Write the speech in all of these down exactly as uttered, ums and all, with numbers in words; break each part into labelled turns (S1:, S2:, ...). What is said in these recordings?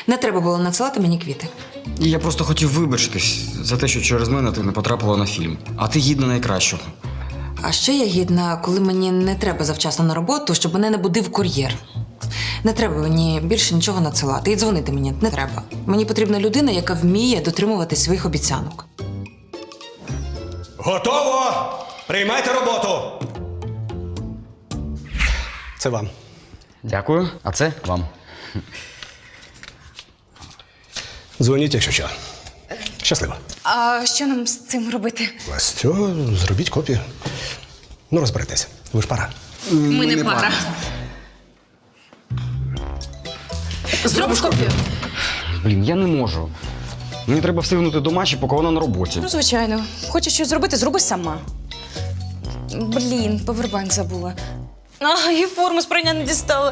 S1: Не треба було надсилати мені квіти.
S2: І я просто хотів вибачитись за те, що через мене ти не потрапила на фільм. А ти гідна найкращого.
S1: А ще я гідна, коли мені не треба завчасно на роботу, щоб мене не будив кур'єр. Не треба мені більше нічого надсилати. І дзвонити мені не треба. Мені потрібна людина, яка вміє дотримувати своїх обіцянок.
S3: Готово! Приймайте роботу! Це вам.
S2: Дякую. А це вам.
S3: Дзвоніть, якщо що. Щасливо.
S4: А що нам з цим робити?
S3: Настю, зробіть копію. Ну, розберетеся. Ви ж пара.
S4: Ми не пара. Зробиш копію?
S2: Блін, я не можу. Мені треба встигнути до Маші, поки вона на роботі.
S4: Ну, звичайно. Хочеш щось зробити, зроби сама. Блін, повербанк забула. А, і форму з прання не дістала.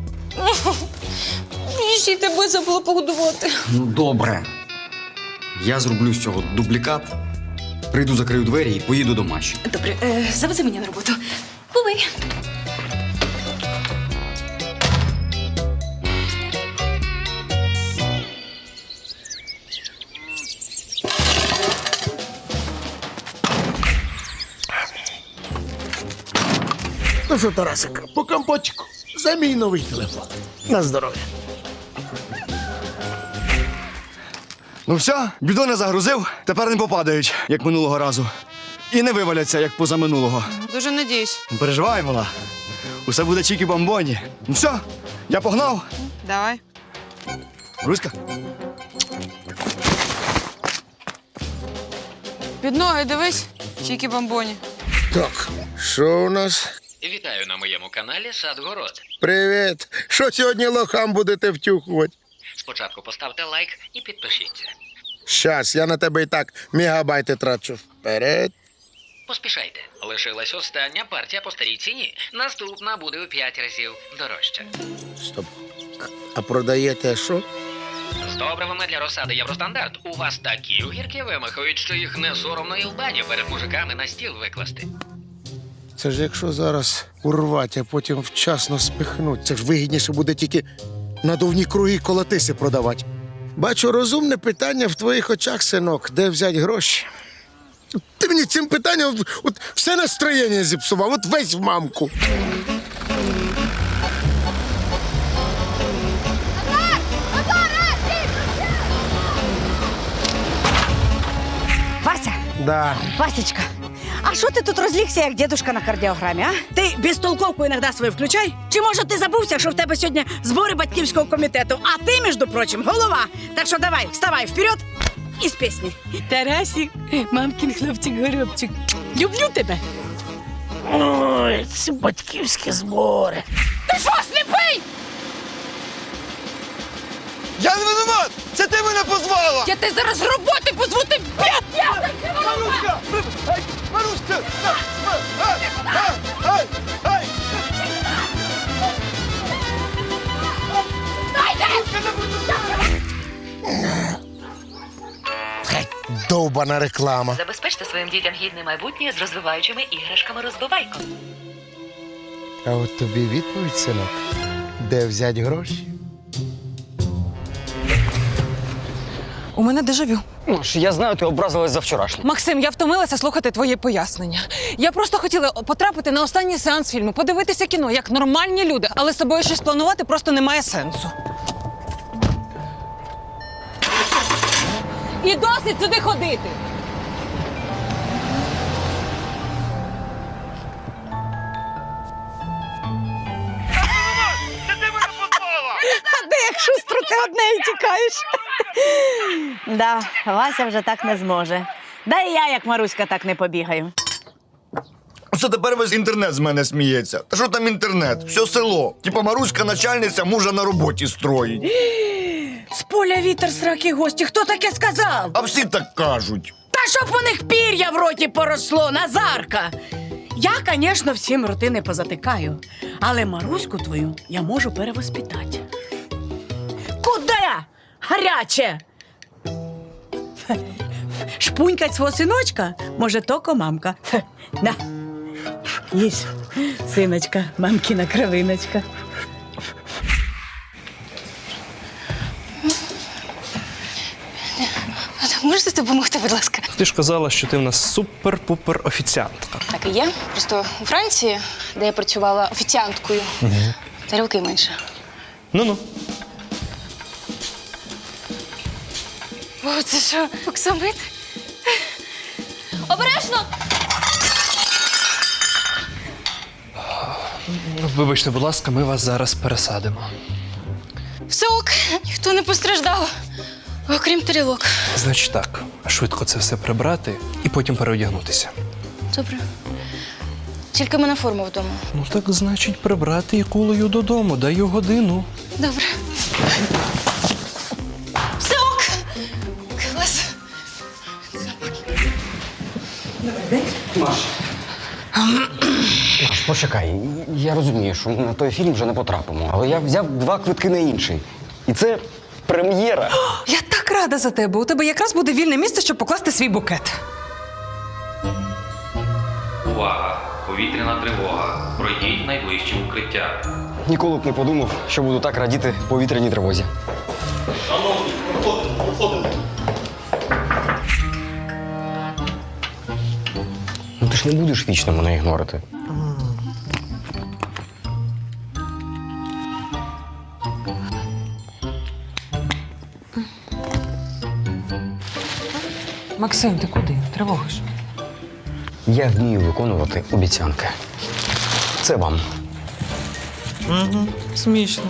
S4: І ще й тебе забула погодувати.
S2: Ну, добре. Я зроблю з цього дублікат, прийду, закрию двері і поїду до Маші.
S4: Добре, е, завези мене на роботу. Бувай.
S5: Ну що, Тарасик, по компотику. За мій новий телефон. На здоров'я.
S6: Ну все, бідони загрузив, тепер не попадають, як минулого разу. І не виваляться, як позаминулого.
S7: Дуже надіюсь.
S6: Не переживай, мала. Усе буде чікі-бомбоні. Ну все, я погнав.
S7: Давай.
S6: Руська.
S7: Під ноги дивись, чікі бомбоні.
S5: Так, що у нас?
S8: Вітаю на моєму каналі Садгород.
S5: Привіт. Що сьогодні лохам будете втюхувати?
S8: Спочатку поставте лайк і підпишіться.
S5: Щас, я на тебе і так мегабайти трачу. Вперед.
S8: Поспішайте. Лишилась остання партія по старій ціні. Наступна буде у п'ять разів дорожча.
S5: Стоп. А, а продаєте що?
S8: З добривами для розсади Євростандарт у вас такі огірки вимахають, що їх не соромно і в баню перед мужиками на стіл викласти.
S5: Це ж якщо зараз урвать, а потім вчасно спихнуть. Це ж вигідніше буде тільки надувні круги колотиси продавати. Бачу, розумне питання в твоїх очах, синок. Де взяти гроші? Ти мені цим питанням от, все настроєння зіпсував, от весь в мамку.
S9: Вася,
S5: Да.
S9: Васечка, а що ти тут розлігся, як дідушка на кардіограмі, а? Ти безтолковку іноді свою включай? Чи може ти забувся, що в тебе сьогодні збори батьківського комітету, а ти, між прочим, голова? Так що давай, вставай вперед і з пісні. Тарасик, мамкін хлопчик-горобчик, люблю тебе.
S5: Ой, ці батьківські збори.
S9: Ти що, сліпий?
S6: Я не винуват! Це ти мене позвала!
S9: Я тебе зараз з роботи позву, ти п'ят!
S6: Маруська! Ай, Маруська! Ай, ай, ай, ай!
S5: Довбана реклама.
S10: Забезпечте своїм дітям гідне майбутнє з розвиваючими іграшками розбивайко.
S5: А от тобі відповідь, синок. Де взяти гроші?
S1: У мене дежавю.
S2: Маш, я знаю, ти образилась за вчорашнє.
S1: Максим, я втомилася слухати твої пояснення. Я просто хотіла потрапити на останній сеанс фільму, подивитися кіно, як нормальні люди, але з тобою щось планувати просто немає сенсу. І досить сюди ходити!
S9: А де як шустро ти одне і тікаєш? Да, Вася вже так не зможе. Да і я, як Маруська, так не побігаю.
S6: Оце тепер весь інтернет з мене сміється. Та що там інтернет? Все село. Типа Маруська начальниця мужа на роботі строїть.
S9: З поля вітер, сраки гості. Хто таке сказав?
S6: А всі так кажуть.
S9: Та щоб у них пір'я в роті поросло, Назарка! Я, звісно, всім роти не позатикаю, але Маруську твою я можу перевоспитати. Куди? Гаряче! Шпунькать свого синочка може токо мамка. На, їсть, синочка, мамкіна кровиночка.
S4: можете допомогти, будь ласка?
S3: Ти ж казала, що ти в нас супер-пупер офіціантка.
S4: Так і є. Просто у Франції, де я працювала офіціанткою, тарілки менше.
S3: Ну-ну.
S4: О, це що, оксамит? Обережно!
S3: Вибачте, будь ласка, ми вас зараз пересадимо.
S4: Все ок, ніхто не постраждав, окрім тарілок.
S3: Значить так, швидко це все прибрати і потім переодягнутися.
S4: Добре. Тільки в мене форма вдома.
S3: Ну так, значить, прибрати і кулею додому. Даю годину.
S4: Добре. Все ок! Клас.
S2: Маш, почекай. Я розумію, що ми на той фільм вже не потрапимо, але я взяв два квитки на інший. І це прем'єра.
S1: Я так рада за тебе. У тебе якраз буде вільне місце, щоб покласти свій букет.
S8: Увага! Повітряна тривога. Пройдіть найближче укриття.
S2: Ніколи б не подумав, що буду так радіти повітряній тривозі. Ну ти ж не будеш вічно мене ігнорити.
S1: Максим, ти куди? Тривога ж.
S2: Я вмію виконувати обіцянки. Це вам.
S1: Угу. Смішно.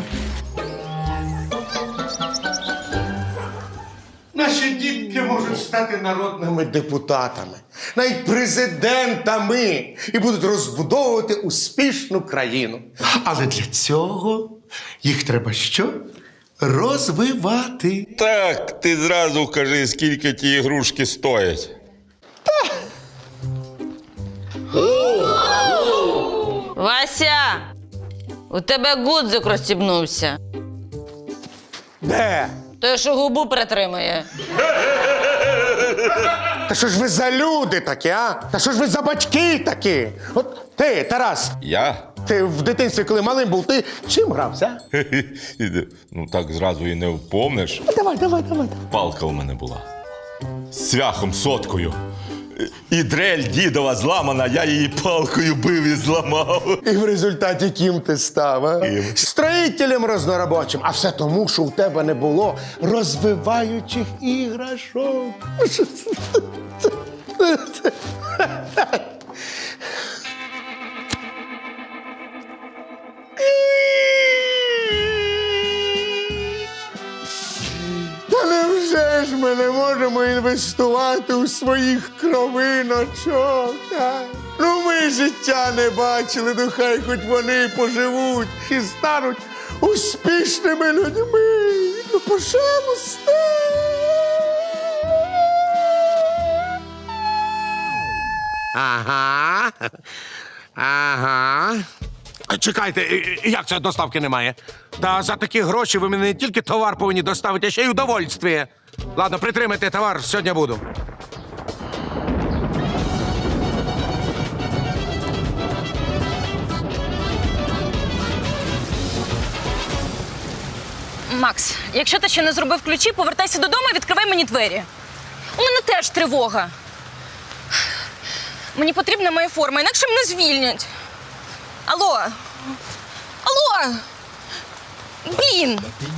S5: Наші дітки можуть стати народними депутатами, навіть президентами і будуть розбудовувати успішну країну. Але для цього їх треба що? Розвивати.
S11: Так, ти зразу кажи, скільки ті ігрушки стоять.
S7: Вася! У тебе гудзик розстібнувся.
S5: Де?
S7: Той, що губу притримує.
S5: Та що ж ви за люди такі, а? Та що ж ви за батьки такі? От ти, Тарас,
S11: Я?
S5: ти в дитинстві, коли малим був, ти чим грався?
S11: Ну так зразу і не впомниш.
S5: Давай, давай, давай.
S11: Палка у мене була. З цвяхом соткою. І дрель дідова зламана, я її палкою бив і зламав.
S5: І в результаті ким ти став, а?
S11: Ким?
S5: Строїтелем розноробочим. А все тому, що у тебе не було розвиваючих іграшок. Та невже ж ми не можемо інвестувати у своїх кровиночок? А? Ну ми життя не бачили, ну хай хоч вони поживуть і стануть успішними людьми. Ну, пожалуйста. Ага. Ага. Чекайте, як це доставки немає? Та за такі гроші ви мені не тільки товар повинні доставити, а ще й удовольствие. Ладно, притримайте товар, сьогодні буду.
S4: Макс, якщо ти ще не зробив ключі, повертайся додому і відкривай мені двері. У мене теж тривога. Мені потрібна моя форма, інакше мене звільнять. Алло? Алло? Блін!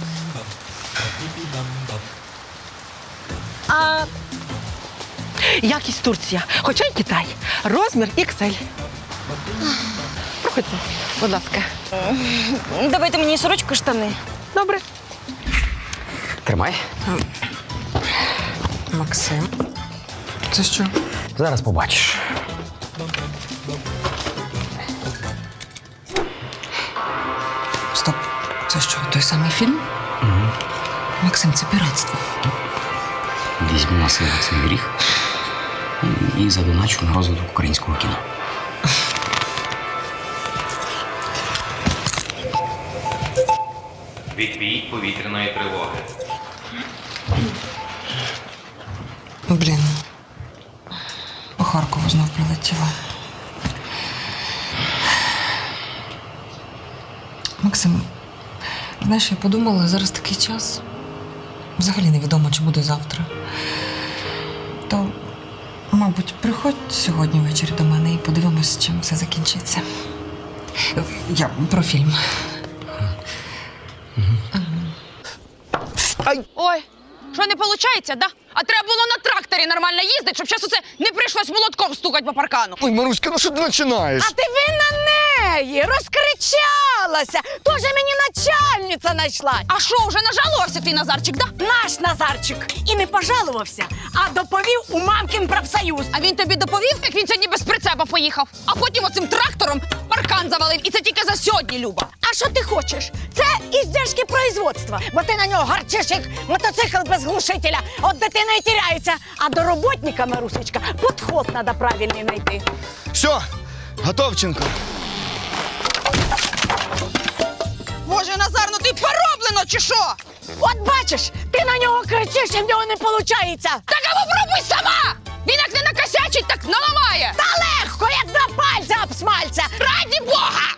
S9: А якість Турція, хоча й Китай. Розмір ікс ель. Проходьте, будь ласка.
S4: Давайте мені сорочку і штани.
S9: Добре.
S2: Тримай.
S1: Максим. Це що?
S2: Зараз побачиш.
S1: Стоп. Це що, той самий фільм?
S2: Угу.
S1: Максим, це піратство.
S2: Візьму на себе цей гріх і задоначу на розвиток українського кіно.
S8: Відбій повітряної тривоги.
S1: Блін. По Харкову знов прилетіло. Максим, знаєш, я подумала, зараз такий час. Взагалі невідомо, чи буде завтра. Мабуть, приходь сьогодні ввечері до мене і подивимось, чим все закінчиться. Я про фільм.
S4: Ой, що не виходить, да? А треба було на тракторі нормально їздити, щоб зараз усе не прийшлось молотком стукати по паркану.
S6: Ой, Маруська, ну що ти починаєш?
S9: А ти винна неї, розкричалася. Тоже мені начальниця знайшла.
S4: А що, вже нажалувався твій Назарчик, да?
S9: Наш Назарчик і не пожалувався, а доповів у мамкін профсоюз.
S4: А він тобі доповів, як він сьогодні без прицепа поїхав, а потім оцим трактором паркан завалив. І це тільки за сьогодні, Люба.
S9: А що ти хочеш? Це іздержки производства, бо ти на нього гарчиш, як мотоцикл без глушителя. От дитина і тіряється. А до роботника, Марусечка, підход треба правильний знайти.
S6: Все, Готовченко.
S4: Боже, Назар, ну ти пороблено чи що?
S9: От бачиш, ти на нього кричиш, і в нього не виходить.
S4: Так а попробуй сама! Він як не накосячить, так наламає!
S9: Та легко, як два пальця об смальця.
S4: Раді Бога!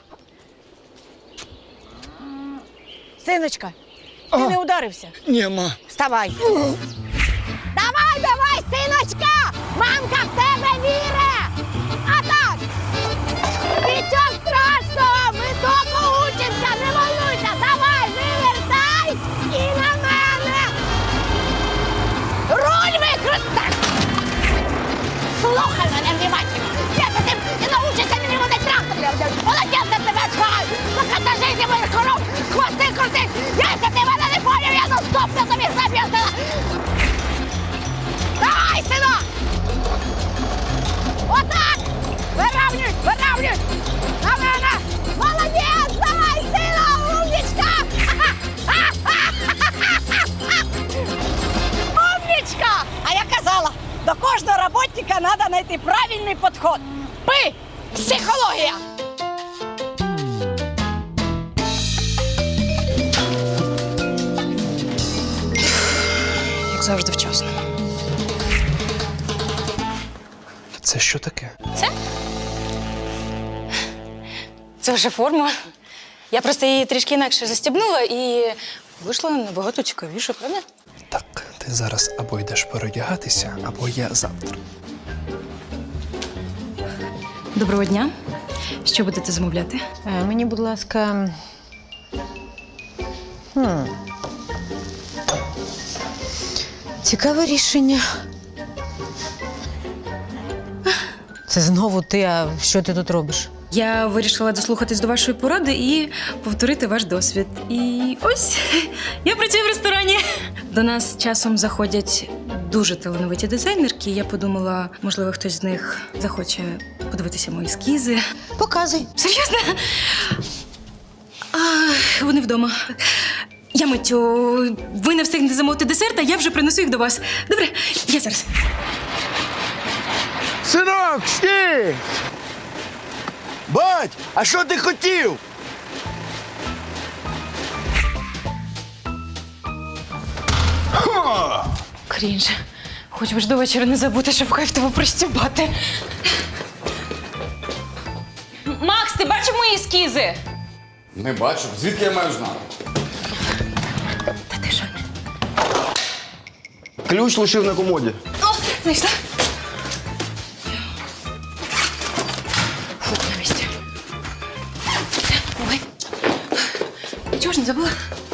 S9: Синочка, ти не ударився?
S6: Ні, ма.
S9: Вставай. Давай, давай, синочка! Мамка в тебе вірить! А так! Нічого страшного! Ми довго учимося, не волнуйся! Давай, вивертай! І на мене! Руль викрутай! Слухай мене внимательно! Я за тим не научишся мені водити трактор! Молодець за тебе чхаю! Покатажи зі моїх коров! Хвости крутить! Якщо ти мене не поняв, я наступну тобі заб'ю! Давай, синок! Отак! Виравнюй, виравнюй! На мене! Молодець! Давай, синок! Умнічка! Умнічка! А я казала, до кожного роботника треба знайти правильний підход. Пи! Психологія!
S4: Як завжди вчасно.
S3: Це що таке?
S4: Це? Це вже форма. Я просто її трішки інакше застібнула і вийшла набагато цікавіше, правда?
S3: Так, ти зараз або йдеш переодягатися, або я завтра.
S4: Доброго дня. Що будете замовляти?
S7: Мені, будь ласка. Хм. Цікаве рішення. Це знову ти, а що ти тут робиш?
S4: Я вирішила дослухатись до вашої поради і повторити ваш досвід. І ось я працюю в ресторані. До нас часом заходять дуже талановиті дизайнерки. Я подумала, можливо, хтось з них захоче подивитися мої ескізи.
S7: Показуй.
S4: Серйозно? А, вони вдома. Я миттю. Ви не встигнете замовити десерт, а я вже принесу їх до вас. Добре? Я зараз.
S6: Синок, стій! Бать, а що ти хотів?
S4: Крінж. Хоч би ж до вечора не забути, щоб кайф тебе пристібати. Макс, ти бачив мої ескізи?
S2: Не бачу. Звідки я маю знати?
S4: Та ти що?
S6: Ключ лишив на комоді.
S4: О, знайшла. Фу, на місці. Все, ой. Чого ж не забула?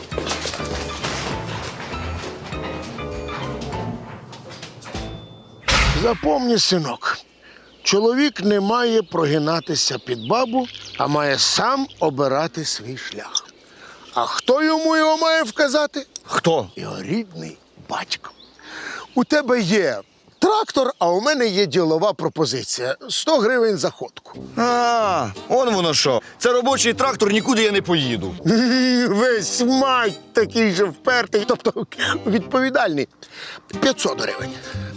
S5: Запомні, синок, чоловік не має прогинатися під бабу, а має сам обирати свій шлях. А хто йому його має вказати?
S6: Хто?
S5: Його рідний батько. У тебе є трактор, а у мене є ділова пропозиція. сто гривень за ходку.
S6: А, он воно що. Це робочий трактор, нікуди я не поїду.
S5: Весь мать такий же впертий, тобто відповідальний. п'ятсот гривень.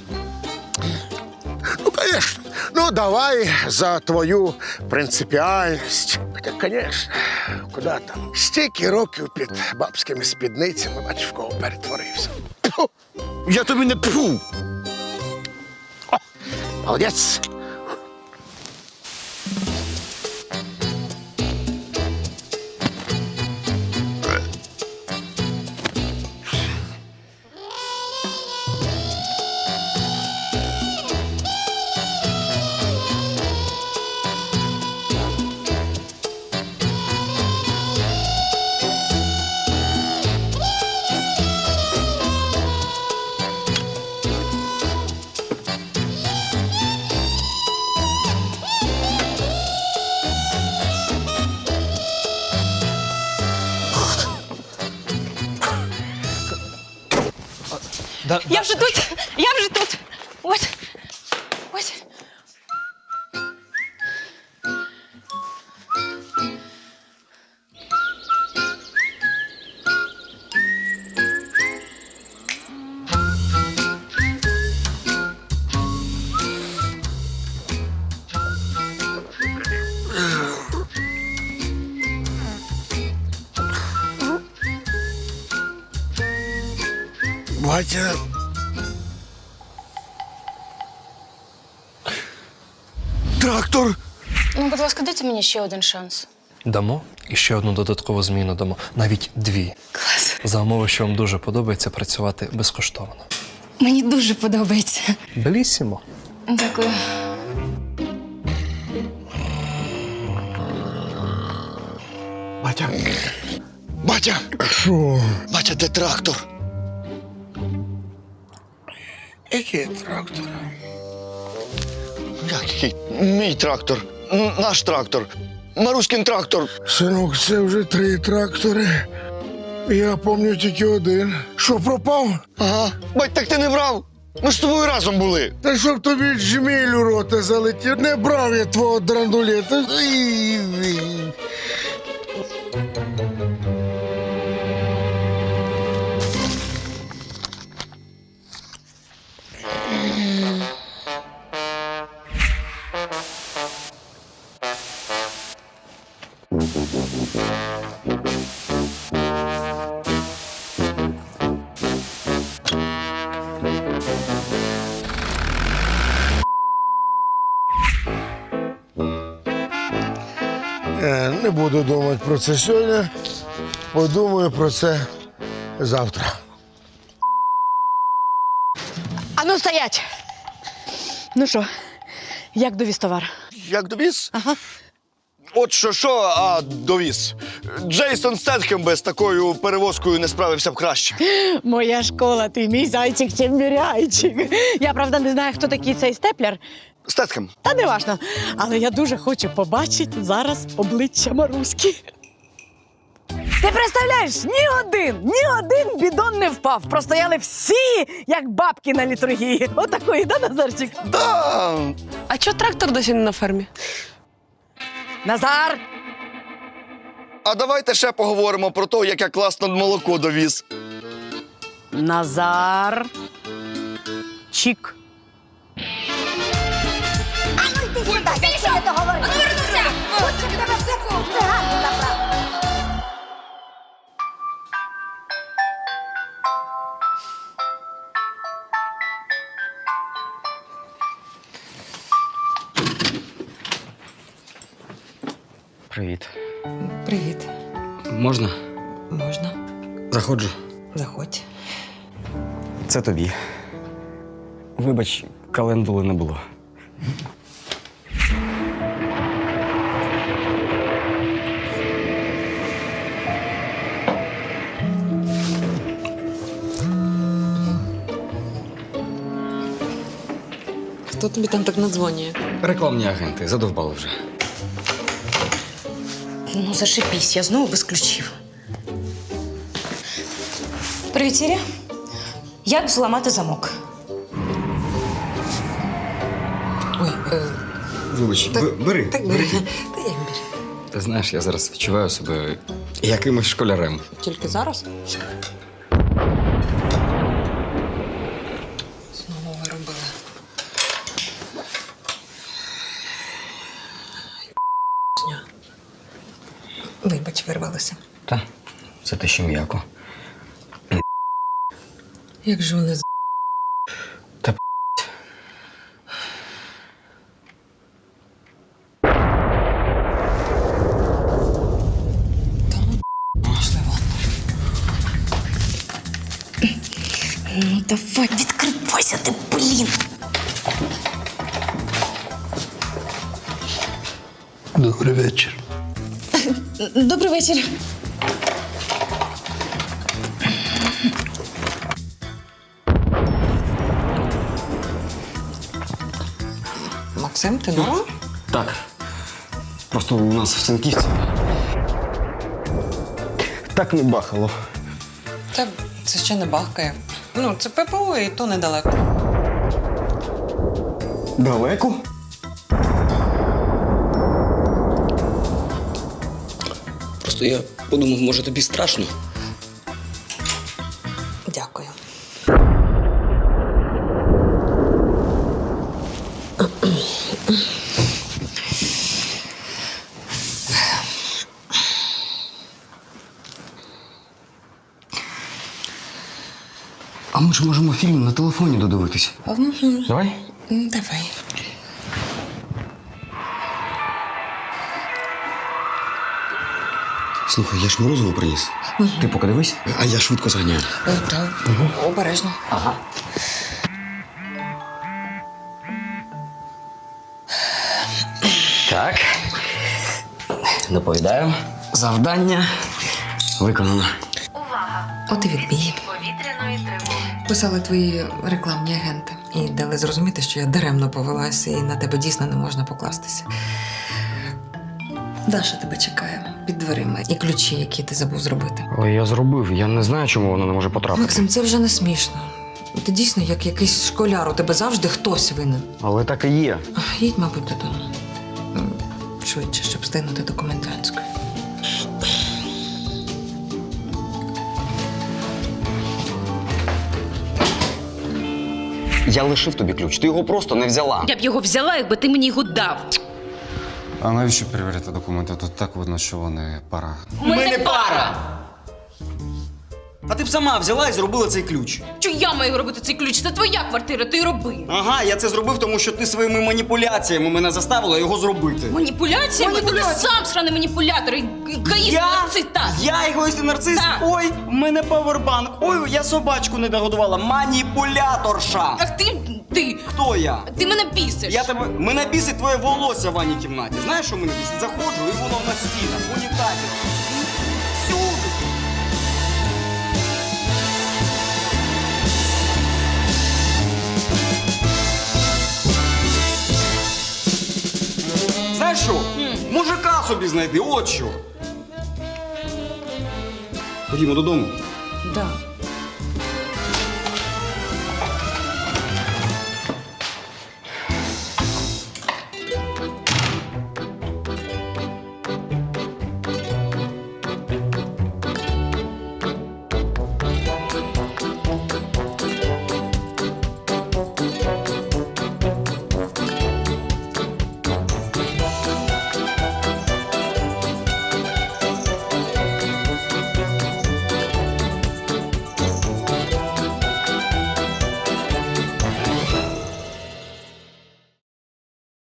S5: Ну, звісно. Ну, давай за твою принципіальність. Хоча, звісно, куди там? Стільки років під бабськими спідницями, бач, в кого перетворився. Тьфу!
S6: Я тобі не пфу.
S5: О, молодець.
S3: Да,
S4: Я вже тут! Я вже тут! Ось! Ось!
S5: Батя. Трактор!
S4: Ну, будь ласка, дайте мені ще один шанс.
S12: Дамо і ще одну додаткову зміну дамо, навіть дві.
S4: Клас.
S12: За умови, що вам дуже подобається працювати безкоштовно.
S4: Мені дуже подобається.
S12: Белісімо.
S4: Дякую.
S5: Батя. Батя! Що? Батя, де трактор? Який трактор?
S6: Як який? Мій трактор. Н- Наш трактор. Маруськин трактор.
S5: Синок, це вже три трактори. Я пам'ятаю тільки один. Що, пропав?
S6: Ага. Бать, так ти не брав. Ми ж з тобою разом були.
S5: Та щоб тобі джміль у рота залетів, не брав я твого драндулета. Ій, ій. Е, Не буду думати про це сьогодні. Подумаю про це завтра.
S9: А ну стоять! Ну що, як довіз товар?
S6: Як довіз?
S9: Ага.
S6: От що що, а довіз. Джейсон Стетхем без такою перевозкою не справився б краще.
S9: Моя школа, ти мій зайчик чембіряйчик. Я, правда, не знаю, хто такий цей степлер,
S6: Стетхем.
S9: та не важно. Але я дуже хочу побачити зараз обличчя Маруськи. Ти представляєш, ні один, ні один бідон не впав. Простояли всі, як бабки на літургії. Отакої, да, Назарчик?
S6: Да.
S7: А чого трактор досі не на фермі?
S9: Назар!
S6: А давайте ще поговоримо про те, як я класно молоко довіз.
S9: Назар. Чік.
S2: Привіт.
S1: Привіт.
S2: Можна?
S1: Можна?
S2: Заходжу.
S1: Заходь.
S2: Це тобі. Вибач, календули не було.
S1: Хто тобі там так надзвонює?
S2: Рекламні агенти, задовбали вже.
S4: Ну, зашипісь, я знову без ключів. Привіт, Сірі. Як зламати замок?
S1: Ой, е,
S2: Вибач,
S1: Так-
S2: б- бери.
S1: так бери. Та як бери.
S2: Ти знаєш, я зараз відчуваю себе якимось школярем.
S1: Тільки зараз? Знову виробила. Вибач, вирвалася.
S2: Та, це те, що м'яко.
S1: Як же вони з...
S2: Та
S1: Та ну, пішли вон.
S4: Ну, давай, відкривайся ти, блін!
S12: Добрий вечір.
S4: Добрий вечір.
S1: Максим, ти норм?
S2: так. Просто у нас в Сенківці. Так не бахало.
S1: Та це ще не бахкає. Ну, це ППО і то недалеко.
S2: Далеко?
S13: Просто я подумав, може тобі страшно.
S1: Дякую.
S2: А ми ж можемо фільм на телефоні додивитись. Давай.
S1: Давай.
S2: Слухай, я ж морозиво приніс. Ти поки дивись, а я швидко зганяю.
S1: Так, обережно.
S2: Ага. Так. Доповідаю. Завдання виконано.
S1: От і відбій.
S10: Повітряної тривоги.
S1: Писали твої рекламні агенти і дали зрозуміти, що я даремно повелася і на тебе дійсно не можна покластися. Даша тебе чекає під дверима і ключі, які ти забув зробити.
S2: Але я зробив, я не знаю, чому вона не може потрапити.
S1: Максим, це вже не смішно. Ти дійсно як якийсь школяр, у тебе завжди хтось винен.
S2: Але так і є.
S1: Їдь, мабуть, додому. М, Швидше, щоб встигнути до комендантської.
S2: Я лишив тобі ключ, ти його просто не взяла.
S4: Я б його взяла, якби ти мені його дав.
S14: А навіщо перевіряти документи? Тут так видно, що вони пара.
S4: Ми, не пара.
S2: А ти б сама взяла і зробила цей ключ.
S4: Що я маю робити цей ключ? Це твоя квартира, ти роби.
S2: Ага, я це зробив, тому що ти своїми маніпуляціями мене заставила його зробити.
S4: Маніпуляціями? Ти сам сраний маніпулятор, і егоїст, нарцис, так.
S2: Я егоїст і нарцис?
S4: Так.
S2: Ой, в мене павербанк. Ой, я собачку не догодувала. Маніпуляторша.
S4: Ах ти, ти,
S2: Хто я?
S4: ти мене бісиш.
S2: Я тебе. Мене бісить твоє волосся в ванній кімнаті. Знаєш, що мене бісить? Заходжу і воно на стінах, в унітазі. Всюди. Знаєш що? Мужика собі знайди, от що. Ходімо додому.
S4: Да.